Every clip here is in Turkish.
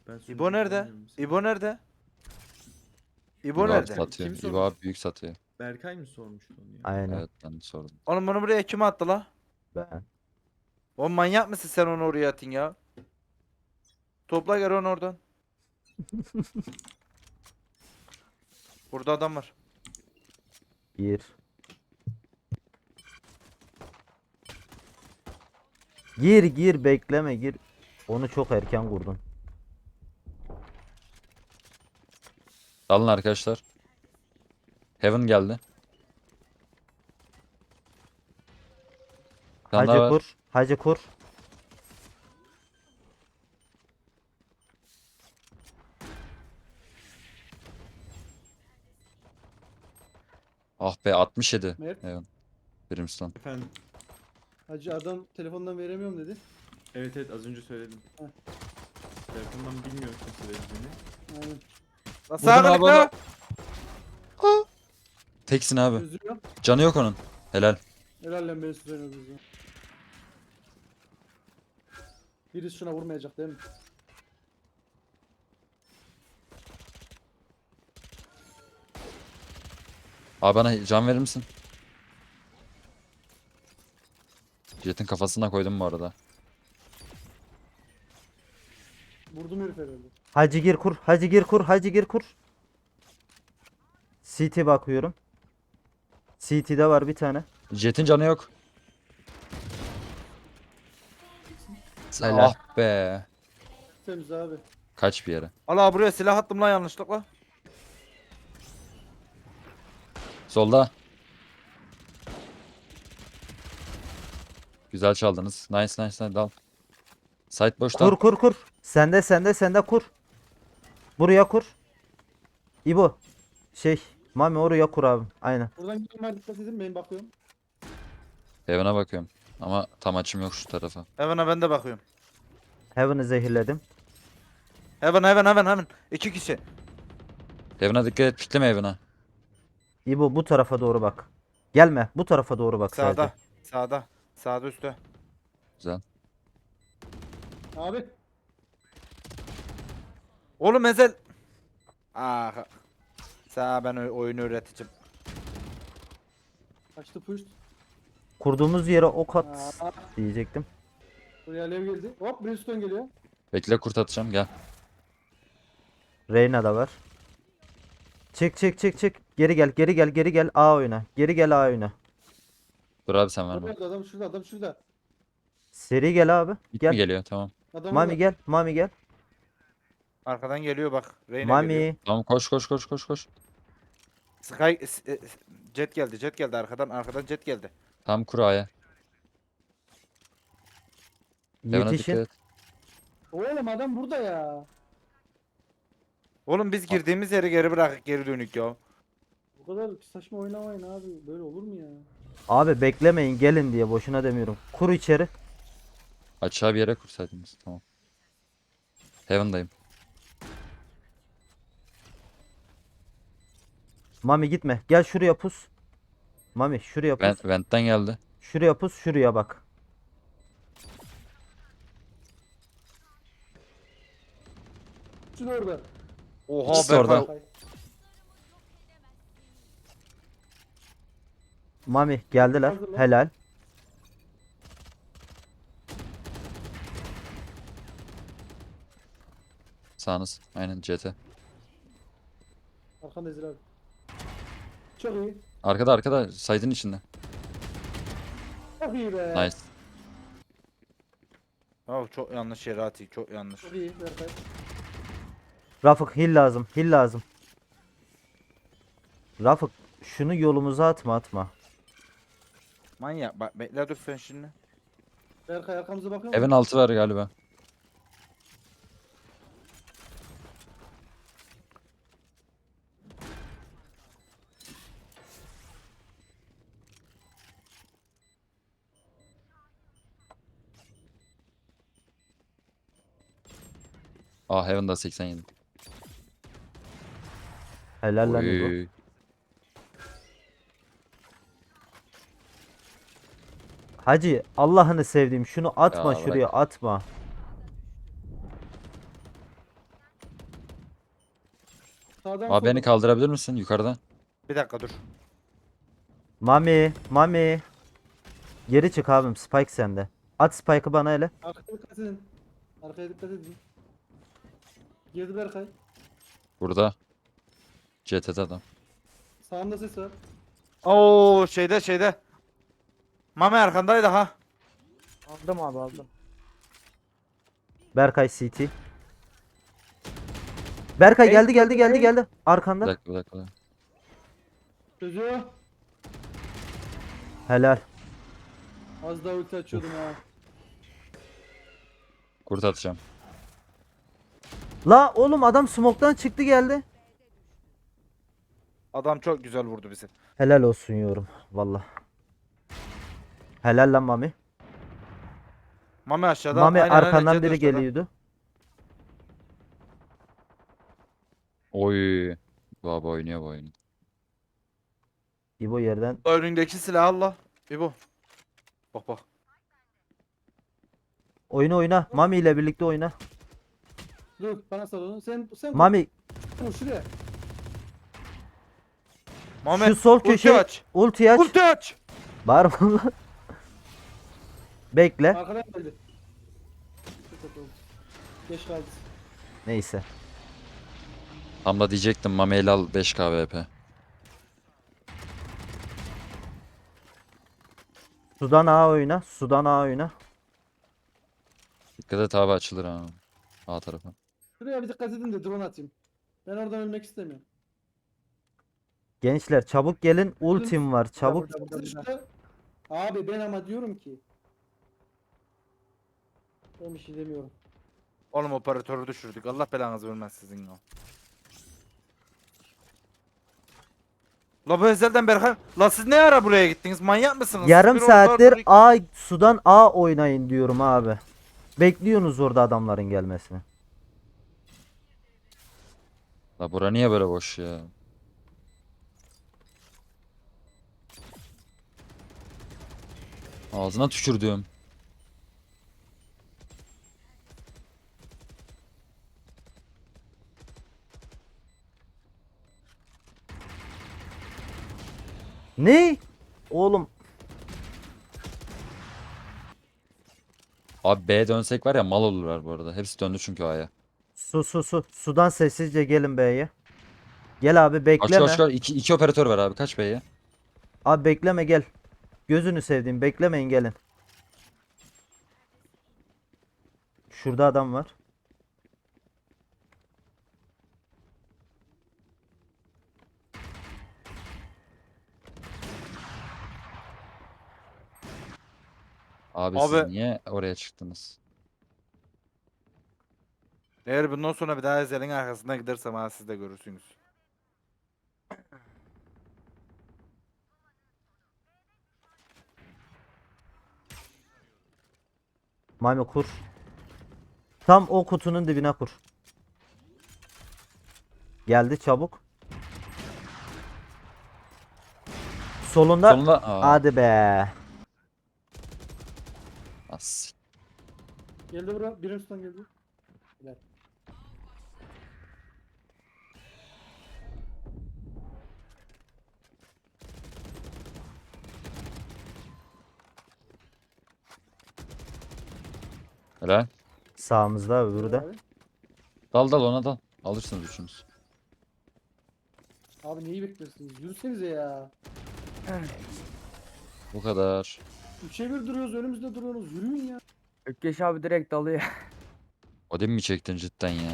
Ben İbo sunucu nerede? kullanmıyorum mesela. İbo nerede? İbo İbo abi nerede? satıyor. Kim İbo abi büyük satıyor. Berkay mı sormuştu onu ya? Aynen. Evet ben de sordum. Oğlum bunu buraya kim attı la? Ben. Oğlum manyak mısın sen onu oraya atın ya? Topla gel onu oradan. Burada adam var. Gir. Gir gir bekleme gir. Onu çok erken kurdun. Dalın arkadaşlar. Heaven geldi. Bir tane daha Hacı var. kur. Hacı kur. Ah be 67. Mert. Heaven. Brimstone. Efendim. Hacı adam telefondan veremiyorum dedi. Evet evet az önce söyledim. Heh. Telefondan bilmiyorum kimse verdiğini. Aynen. La Vurdum sağa abi la. Teksin abi. Özlüyor. Canı yok onun. Helal. Helal lan beni süzüyorsunuz bizi. Birisi şuna vurmayacak değil mi? Abi bana can verir misin? Jet'in kafasına koydum bu arada. Vurdum herif herhalde. Hacı gir kur. Hacı gir kur. Hacı gir kur. CT bakıyorum. CT'de var bir tane. Jet'in canı yok. Helal. Ah be. Temiz abi. Kaç bir yere. Allah buraya silah attım lan yanlışlıkla. Solda. Güzel çaldınız. Nice nice nice dal. Site boşta. Kur kur kur. Sende kur. Buraya kur. İbo. Mami oraya kur abi. Aynen. Buradan gidenler dikkat edin ben bakıyorum. Heaven'a bakıyorum. Ama tam açım yok şu tarafa. Heaven'a ben de bakıyorum. Heaven'ı zehirledim. Heaven. İki kişi. Heaven'a dikkat et. Pikleme Heaven'a. İbo bu tarafa doğru bak. Gelme. Bu tarafa doğru bak Sağda. sadece. Sağda. Sağda üstte. Güzel. Abi. Oğlum Ezel. Ah. Sağ ben oyunu öğreteceğim. Kaçtı push. Kurduğumuz yere ok at Aa, diyecektim. buraya alev geldi. Hop Brimstone geliyor. Bekle kurt atacağım gel. Reyna da var. Çık. Geri gel A oyna. Geri gel A oyna. Dur abi sen verme. Orada adam şurada adam şurada. Seri gel abi. Git Gel. mi geliyor tamam. Adam Mami orada. gel. Mami gel. Arkadan geliyor bak. Reyna geliyor. Mami. Tamam koş. Jet geldi arkadan jet geldi. Tam kur A'ya. Heaven'a dikkat Yetişin. et. Oğlum adam burada ya. Oğlum biz girdiğimiz yeri geri bırakıp geri dönük ya. Bu kadar saçma oynamayın abi. Böyle olur mu ya? Abi beklemeyin gelin diye boşuna demiyorum. Kur içeri. Açığa bir yere kursaydınız. Tamam. Heaven'dayım. Mami gitme. Gel şuraya pus. Mami şuraya pus. Vent'ten geldi. Şuraya pus. Şuraya bak. Şurada orada. Oha İkisi Berkay. orada. Mami geldiler. Hazır lan. Helal. Sağınız. Aynen CT. Arkanda Ezra abi. Çok iyi. Arkada site'in içinde. Çok iyi be. Nice. Oh, çok yanlış yere atıyor. Çok yanlış. Çok iyi Berkay. Rafık hil lazım. Hil lazım. Rafık şunu yolumuza atma. Manyak bak bekle dur sen şimdi. Berkay arkamıza bakıyor Evin musun? altı var galiba. Ah Heaven'da 87. Helal lan İbo. Oy. Hacı Allah'ını sevdiğim şunu atma Ya bırak. şuraya atma. Sağdan Abi beni soldan. kaldırabilir misin yukarıdan? Bir dakika dur. Mami. Mami. Geri çık abim. Spike sende. At Spike'ı bana hele. Arkaya dikkat edin. Arkaya dikkat edin. Girdi Berkay. Burada. CT'de adam. Sağında ses var. Oo şeyde. Mami arkandaydı ha. Aldım abi aldım. Berkay CT. Berkay Ey, geldi. Bir Arkanda. dakika bir dakika. Çocuğu. Helal. Az daha ulti açıyordum ha. Kurt atacağım. La oğlum adam smoke'tan çıktı geldi. Adam çok güzel vurdu bizi. Helal olsun yorum. Valla. Helal lan Mami. Mami aşağıda. Mami aynen, arkandan Jet biri aşağıda. geliyordu. Oy. Baba oynuyor bu oyunu. İbo yerden. Önündeki silah Allah. İbo. Bak. Oyna. Mami ile birlikte oyna. Dur bana sal onu. Sen Mami koy şuraya. Mami şu sol ulti köşe aç. ulti aç. Ulti aç. Bağırma lan. Bekle. Arkadan geldi. Çok kötü oldu. Geç kaldı. Neyse. Tam da diyecektim Mameyli al 5 KVP. Sudan A oyna. Sudan A oyna. Dikkat et abi açılır ha. A tarafı. Şuraya bir dikkat edin de drone atayım. Ben oradan ölmek istemiyorum. Gençler çabuk gelin. Ultim var. Çabuk. Şurada. Abi ben ama diyorum ki. Ben bir şey demiyorum. Oğlum operatörü düşürdük. Allah belanızı vermez sizin ya. La bu ezelden Berkay. La siz ne ara buraya gittiniz? Manyak mısınız? Yarım Bir orada saattir dur- A sudan A oynayın diyorum abi. Bekliyorsunuz orada adamların gelmesini. La bura niye böyle boş ya? Ağzına tükürdüm. Ne? Oğlum Abi B'ye dönsek var ya mal olurlar bu arada. Hepsi döndü çünkü A'ya. su. Sudan sessizce gelin B'ye. Gel abi Kaç bekleme. kaç kaç. İki operatör var abi. Kaç B'ye? Abi bekleme gel. Gözünü sevdiğim beklemeyin gelin. Şurada adam var. Abi siz Abi- niye oraya çıktınız? Eğer bundan sonra bir daha ezelin arkasına gidersem ha siz de görürsünüz. Mami kur. Tam o kutunun dibine kur. Geldi çabuk. Solunda. Sonunda Hadi be. As. Geldi bura. Birin üstten geldi. Helal. Helal. Sağımızda öbürü de. Abi. Dal ona dal. Alırsınız üçünüz. Abi neyi bekliyorsunuz? Yürüsenize ya. Bu kadar. 3'e 1 duruyoruz önümüzde duruyorsunuz. Yürüyün ya. Ökkeş abi direkt dalıyor. Odin mi çektin cidden ya?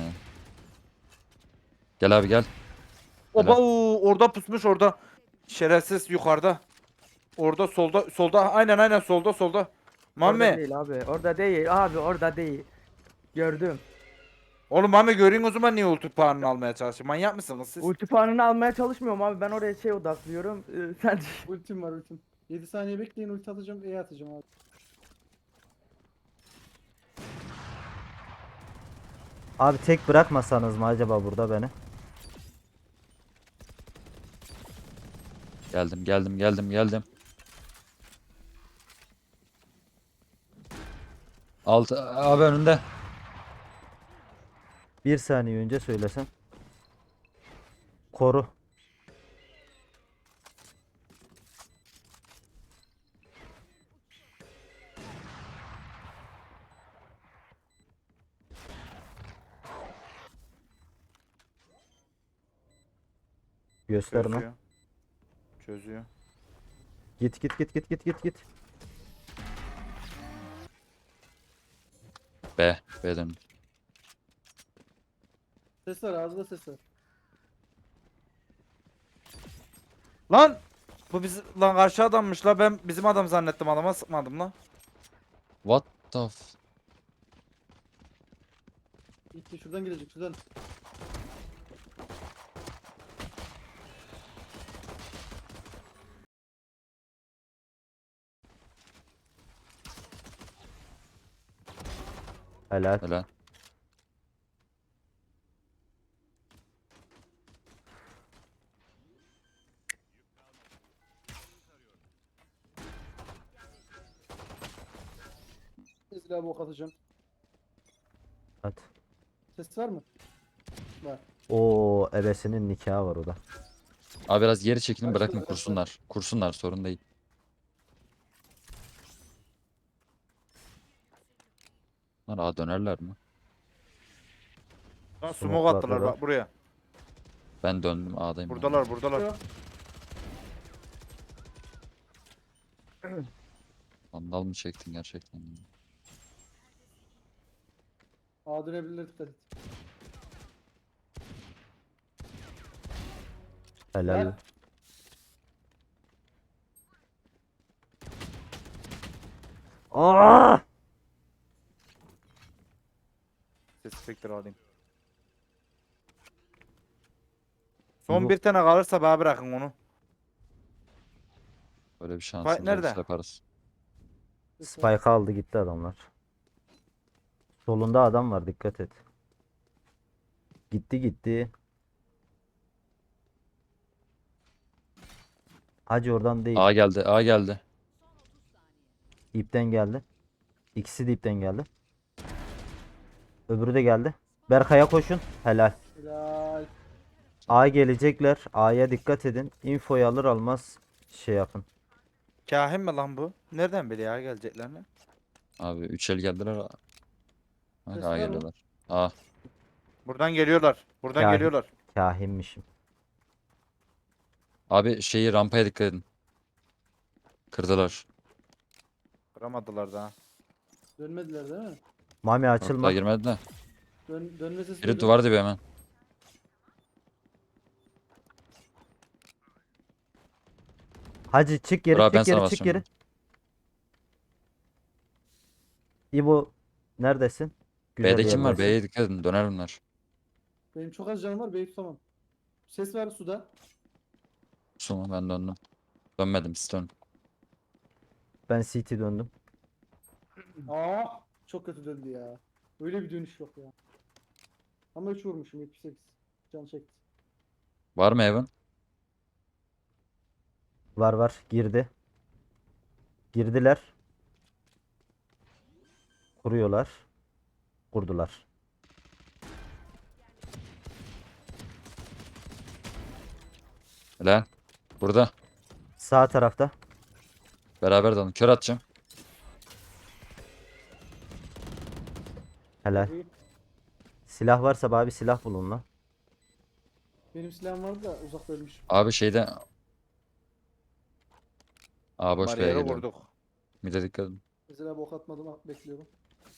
Gel abi gel. Oba Helal. orada pusmuş orada. Şerefsiz yukarıda. Orada solda aynen solda. Orada Mami. değil abi. Orada değil abi orada değil. Gördüm. Oğlum Mami göreyim o zaman niye ulti puanını almaya çalışıyor? Manyak mısınız siz? Ulti puanını almaya çalışmıyorum abi. Ben oraya şey odaklıyorum. Sen Ultim var ultim. 7 saniye bekleyin ulti atacağım. E atacağım abi. Abi tek bırakmasanız mı acaba burada beni? Geldim. Altı abi önünde. Bir saniye önce söylesen. Koru. Gösterme. Çözüyor. Çözüyor. Git git git git git git git. B dön. Ses var ağzında ses var. Lan! Bu lan karşı adammış la, ben bizim adam zannettim, adama sıkmadım la. What the f... Gitti şuradan gelecek şuradan. Helal. Helal. Ezra abi ok atacağım. Hadi. Ses var mı? Var. Oo, ebesinin nikahı var o da. Abi biraz geri çekilin, Başla, bırakın başla. kursunlar. Kursunlar, sorun değil. Bunlar A dönerler mi? Lan Smoke smoke attılar attılar. bak buraya. Ben döndüm, A'dayım. Buradalar buradalar. Yok. Vandal mı çektin gerçekten? Ağa dönebilirler, dikkat et. Helal. Lan. Aa! Ses spektr alayım. Son Yok. bir tane kalırsa bana bırakın onu. Böyle bir şansımız nerede? olursa yaparız. Ses var. Spike aldı gitti adamlar. Solunda adam var, dikkat et. Gitti gitti. Hacı oradan değil. A geldi, A geldi. İpten geldi. İkisi de ipten geldi. Öbürü de geldi. Berkay'a koşun. Helal. Helal. A gelecekler. A'ya dikkat edin. Infoyu alır almaz şey yapın. Kahin mi lan bu? Nereden biliyor ya geleceklerini? Abi 3 el geldiler. Bak Ses A var mı? geliyorlar. A. Buradan geliyorlar. Buradan Kahin. geliyorlar. Kahinmişim. Abi şeyi, rampaya dikkat edin. Kırdılar. Kıramadılar daha. Dönmediler değil mi? Mami Açılma. açılma. Girmedi de. Dönme sesi Biri duydum. duvar dibi hemen. Hacı çık geri, Bravo, ben çık geri, sana çık basıyorum. geri. İbo neredesin? Güzel B'de kim var? yerdesin. B'ye dikkat edin. Döner bunlar. Benim çok az canım var, B'yi tutamam. Ses var suda. Suma, ben döndüm. Dönmedim, siz dönün. Ben CT döndüm. Aa, çok kötü döndü ya. Öyle bir dönüş yok ya. Ama 3 vurmuşum, 78. Can çekti. Var mı Evan? Var var, girdi. Girdiler. Kuruyorlar. Kurdular. Helal. Burada. Sağ tarafta. Beraber dalın. Kör atacağım. Helal. İyi. Silah varsa bana bir silah bulun lan. Benim silahım vardı da uzakta ölmüş. Abi şeyde. A boş B'ye Bariyeri geliyor. vurduk. Mide dikkat edin. Mesela bok atmadım, bekliyorum.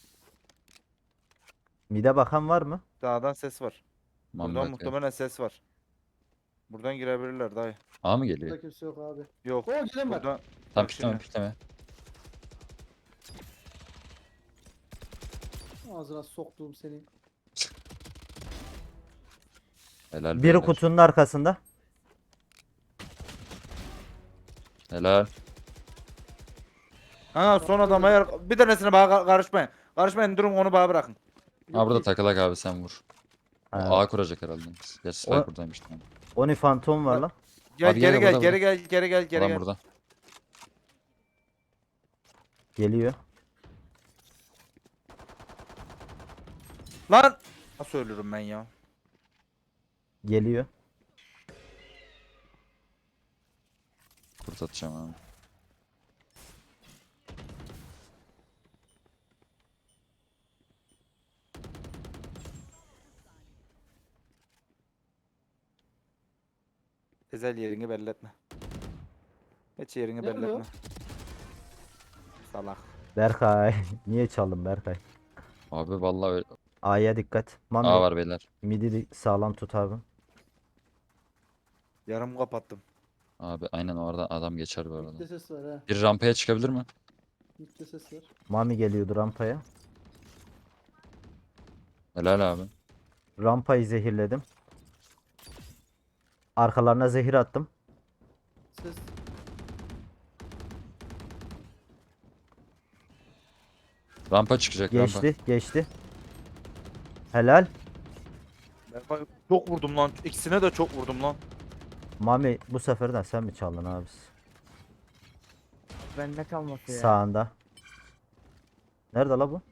Mide bakan var mı? Dağdan ses var. Mami Buradan bakıyor. muhtemelen ses var. Buradan girebilirler dayı. A mı geliyor? Burada kimse yok abi. Yok. Oo, gelen var. Buradan Tam Bak pikleme şimdi. pikleme. Ağzına soktuğum seni. Helal Biri beyler. kutunun arkasında. Helal. Ha son adam ayar. Bir tanesine bana karışmayın. Karışmayın, durun onu bana bırakın. Ha burada takılak abi, sen vur. O Ha. A kuracak herhalde. Gerçi Spike O- buradaymış. Tamam. Oni fantom var lan. Gel Abi gel, geri gel, gel burada, geri gel geri gel geri Adam gel. burada. Geliyor. Lan! Nasıl ölürüm ben ya? Geliyor. short atacağım abi. Ezel yerini belli etme. Hiç yerini Ne belli oluyor? etme. Salak. Berkay. Niye çaldın Berkay? Abi vallahi öyle. A'ya dikkat. Mami A var beyler. midi sağlam tut abi. Yarım kapattım. Abi aynen orada adam geçer bu arada. Mitte ses var ha. Bir rampaya çıkabilir mi? Mitte ses var. Mami geliyordu rampaya. Helal abi. Rampayı zehirledim. Arkalarına zehir attım. Ses. Rampa çıkacak rampa. Geçti, geçti. Helal. Ben çok vurdum lan. İkisine de çok vurdum lan. Mami bu seferden sen mi çaldın abi? Bende kalması ya. Sağında. Nerede la bu?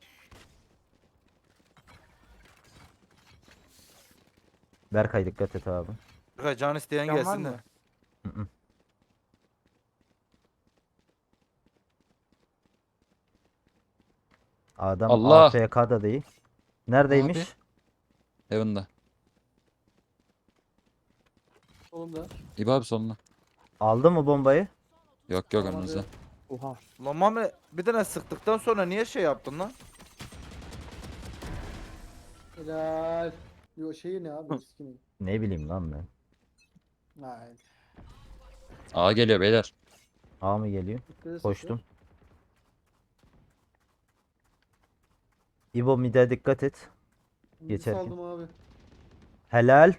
Berkay dikkat et abi. Berkay can isteyen Can var gelsin mı? de. Adam Allah! AFK'da değil. Neredeymiş? Abi. Heaven'da. Solumda. İbo abi solunda. Aldı mı bombayı? Yok yok Tamam önünüzde. abi. Oha. Lan Mami bir tane sıktıktan sonra niye şey yaptın lan? Helal. Yo şeyi ne abi? Riskini. Ne bileyim lan ben. Hayır. A geliyor beyler. A mı geliyor? Mitte ses Koştum. var. İbo mide dikkat et. Midi Geçerken. saldım abi. Helal.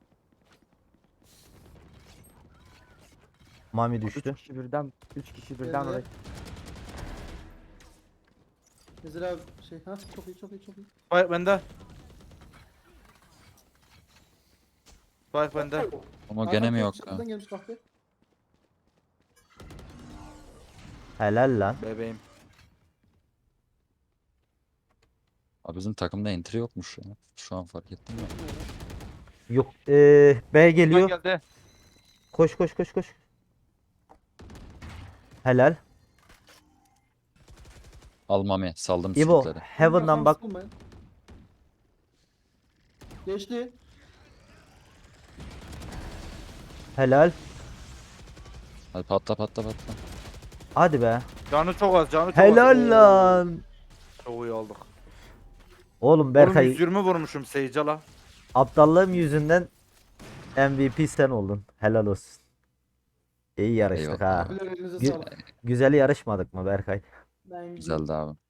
Mami 3 düştü. kişi birden 3 kişi birden Geldi. oraya. Ezel abi şey ha çok iyi çok iyi çok iyi. Spike bende. Spike bende. Ama gene mi yok ya? Kapıdan gelmiş kahve. Helal lan. Bebeğim. Abi bizim takımda entry yokmuş ya. Şu an fark ettim ya. Yok. B Spike geliyor. geldi. Koş koş koş koş. Helal. Almami saldım İbo sürükleri. Heaven'dan bak. Sıkılmayın. Geçti. Helal. Hadi patla patla patla. Hadi be. Canı çok az canı çok az. Helal lan. Çok iyi aldık. Oğlum Oğlum Berkay 120 vurmuşum Seycal'a. aptallığım yüzünden MVP sen oldun. Helal olsun. İyi yarıştık Eyvallah. ha. Abiler elinize Gü- sağlık. Güzel yarışmadık mı Berkay? Ben Güzeldi abi.